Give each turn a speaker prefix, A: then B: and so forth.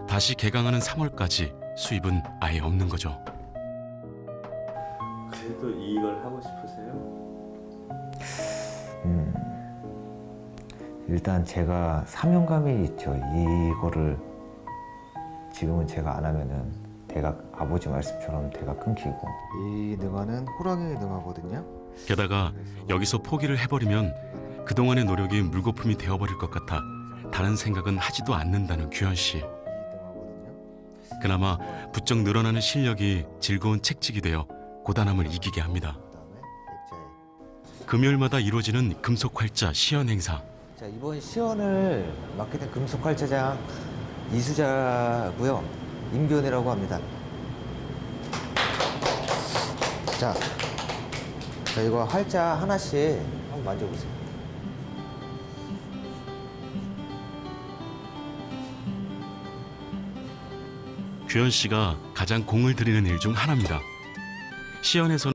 A: 다시 개강하는 3월까지 수입은 아예 없는 거죠.
B: 그래도 이걸 하고 싶으세요?
C: 일단 제가 사명감이 있죠. 이거를 지금은 제가 안 하면은 대가 아버지 말씀처럼 대가 끊기고. 이 능화는 호랑이 능화거든요.
A: 게다가 여기서 포기를 해버리면 그동안의 노력이 물거품이 되어버릴 것 같아 다른 생각은 하지도 않는다는 규현 씨. 그나마 부쩍 늘어나는 실력이 즐거운 책찍이 되어 고단함을 이기게 합니다. 금요일마다 이루어지는 금속활자 시연 행사.
C: 자, 이번 시연을 맡게 된 금속활자장 이수자고요. 임변이라고 합니다. 자, 이거 활자 하나씩 한번 만져보세요.
A: 규현 씨가 가장 공을 들이는 일 중 하나입니다. 시연에서는